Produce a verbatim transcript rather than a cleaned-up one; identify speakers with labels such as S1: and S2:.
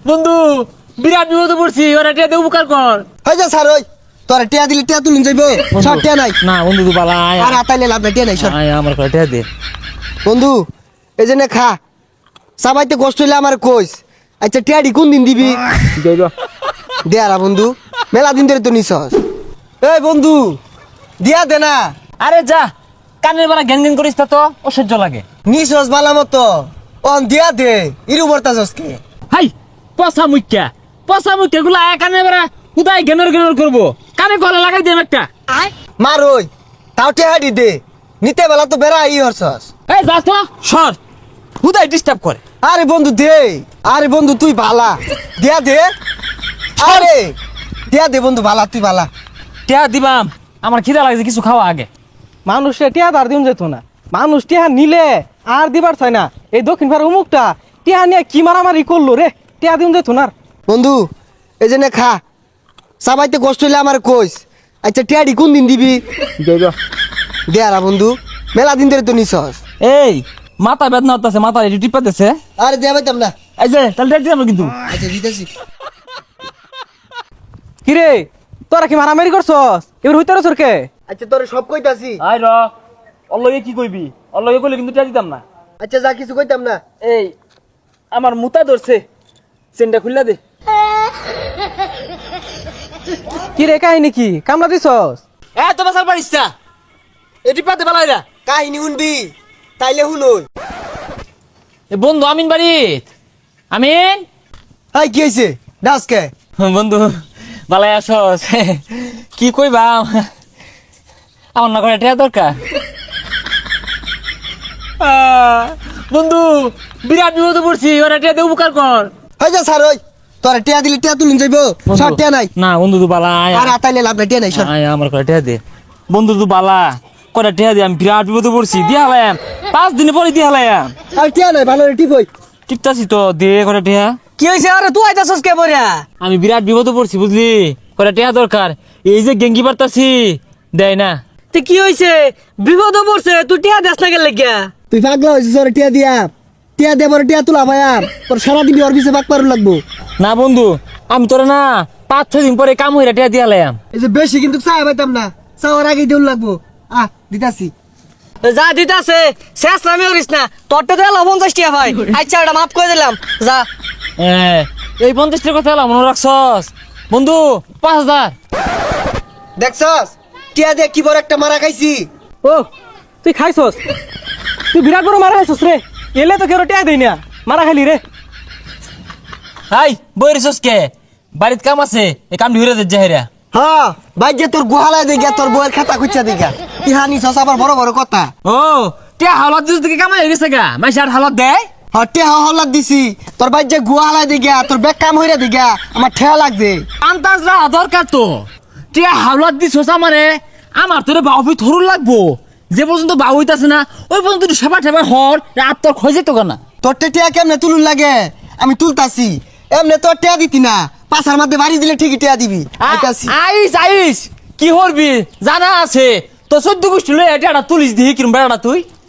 S1: বন্ধু বিরাট বিপদে পড়ছি, ওরা টিয়া দিয়ে উপকার কর।
S2: হই যা স্যার ওই তোরা টিয়া দিলে টিয়া তুলুন যাইবো, সব টিয়া নাই।
S1: না বন্ধু তুই বালা আয়
S2: আর আতাইলে লাভ নাই, টিয়া নাই সর।
S1: আয় আমার করে টিয়া দে।
S2: বন্ধু এই যে নে খা, সাবাইতে কষ্ট হইলে আমার কইস। আচ্ছা টিয়াডি কোন দিন দিবি? দে আরা বন্ধু, মেলা দিন ধরে তো নিছস। এই বন্ধু দিয়া দে না।
S1: আরে যা, কানের বালা ঘ্যান ঘ্যান করিস তা তো অসহ্য লাগে।
S2: নিছস বালা মতো অন দিয়া দে, ইরু বর্তাছস কে?
S1: হাই পচা মুখ্যা, পচা মুখ্যা গুলা আয় কানে বেড়া কোথায় ঘেনর ঘেনর করবো, কানে গলা লাগাই দিম একটা।
S2: মার ওই তাও টিয়াডি দে, নিতে বেলা তো বেড়া ই হরছস।
S1: এই যা তো সর, কোথায় ডিস্টার্ব করে।
S2: আরে বন্ধু দে, আরে বন্ধু তুই বালা, দিয়া দে। আরে দিয়া দে বন্ধু, বালা তুই বালা।
S1: টিয়া দিবাম, আমার খিদা লাগছে, কিছু খাওয়া আগে।
S3: মানুষে টিয়া আর দিন যেত না, মানুষ টিয়া নিলে আর দিবার চাই না। এই দক্ষিণ ভারত অমুকটা টিয়া নিয়ে কি মারামারি করলো রে, টিয়া দিন যেত না।
S2: বন্ধু এই যে নে খা, সাবাইতে কষ্ট হইলে আমার কইস। আচ্ছা টিয়াডি কোন দিন দিবি? দে আরা বন্ধু, মেলা দিন ধরে তো নিছস।
S1: এই মাথা বেদনা হতেছে, মাথা একটু টিপা দিছে।
S2: আরে দেয়া পাইতাম না।
S1: এই যে তাহলে রেড দিলাম কিন্তু।
S2: আচ্ছা দিতেছি।
S3: কিরে তোরা কি মারামারি করছস? এবার হইতে রসর কে?
S2: আচ্ছা তোরে সব কইতাছি।
S1: আই র অল্লগে কি কইবি, অল্লগে কইলে কিন্তু টিয়া দিতাম না।
S2: আচ্ছা যা কিছু কইতাম না।
S1: এই আমার মুতা ধরছে, চেনটা খুললা দে।
S3: কিরে কাহিনী কি কামলা দিছস?
S1: এ তো বাসার পারিস না, এটি পাতে বালাইরা।
S2: কাহিনী শুনবি তাইলে শুনুন।
S1: এ বন্ধু আমিন বাড়িত, আমিন।
S2: হাই কি হইছে ডাসকে?
S1: বন্ধু বালাই আসস, কি কইবা আমার না করে টিয়া দরকার। আহ, বন্ধু বিরাট বিপদে পড়ছি, ওরা টিয়া দিয়ে উপকার কর।
S2: হই যা স্যার ওই তোরা টিয়া দিলে টিয়া তুলুন যাইবো, সব টিয়া নাই।
S1: না বন্ধু তুই বালা আয়
S2: আর আতাইলে লাভ নাই, টিয়া নাই সর।
S1: আয় আমার করে টিয়া দে। বন্ধু তুই বালা করে টিয়া দে, আমি বিরাট বিপদে পড়ছি, দিয়ে হালাম পাঁচ দিনে পরে দিয়ে হালাম।
S2: আর টিয়া নাই, ভালো রে টিপ হই।
S1: টিপতাছি তো, দে করে টিয়া।
S2: কি হইছে? আরে তুই আইতাছস কে বড়া?
S1: আমি বিরাট বিপদে পড়ছি বুঝলি, করে টিয়া দরকার। এই যে গেঙ্গি পারতাছি দেয় না।
S3: তে কি হইছে? বিপদ পড়ছে, তুই টিয়া দেস না গেলে গিয়া?
S2: তুই পাগলা হইছিস? ওরে টিয়া দিয়া, টিয়া দে বড় টিয়া তুলা ভাই। আর তোর সারাদিন ওর পিছে বাক পারু লাগবো।
S1: না বন্ধু আমি তোরা না পাঁচ ছয় দিন পরে কাম হইরা টিয়া দিয়া লাম।
S2: এই যে বেশি কিন্তু চা পাইতাম না, চাওয়ার আগে দেউল লাগবো। আহ দিতাছি।
S3: যা দিতাছে শেষ নামে করিস না, তোরটা তো এলো পঞ্চাশ টিয়া ভাই। আচ্ছা ওটা মাফ করে দিলাম, যা।
S1: হ্যাঁ এই পঞ্চাশটার কথা এলাম মনে রাখছস বন্ধু, পাঁচ হাজার।
S2: দেখছস টিয়া দিয়ে কি বড় একটা মারা খাইছি।
S3: ও তুই খাইছস? তুই বিরাট বড় মারা খাইছস রে, এলে তো কেউ টিয়া দেই না, মারা খাইলি রে।
S1: হাই বই রেছস কে? বাড়িতে কাম আছে, এই কাম ঢুরে দে জাহেরা।
S2: হ্যাঁ ভাই যে তোর গোহালায় দিগা, তোর বউয়ের খাতা খুঁজা দিগা। ইহানি সস আবার বড় বড় কথা।
S1: ও টিয়া হালত দিস দিকে কামাই হয়ে গেছে গা, মাই সার হালত দেয়।
S2: হ্যাঁ টিয়া হল্লাদ দিছি, তোর ভাই যে গোহালায় দিগা, তোর বেগ কাম হইরা দিগা, আমার ঠেয়া লাগছে।
S1: আন্তাজ রা দরকার তো, টিয়া হালত দিছস আমারে, আমার তোরে বাউবি থরুর লাগবো। যে পর্যন্ত বাউ হইতাছে না ওই পর্যন্ত তুই সেবা ঠেবা হর, রাত তোর খয় যেত কেনা।
S2: তোর টিয়া কেমনে তুলুন লাগে? আমি তুলতাছি, এমনি তোর টিয়া দিতি না, পাছার মধ্যে বাড়ি দিলে ঠিকই টিয়া দিবি। আইতাছি।
S1: আইস আইস কি হরবি জানা আছে তো, চোদ্দ গোষ্ঠী লই এটা তুলিস দিহি কিরম বেড়াটা তুই।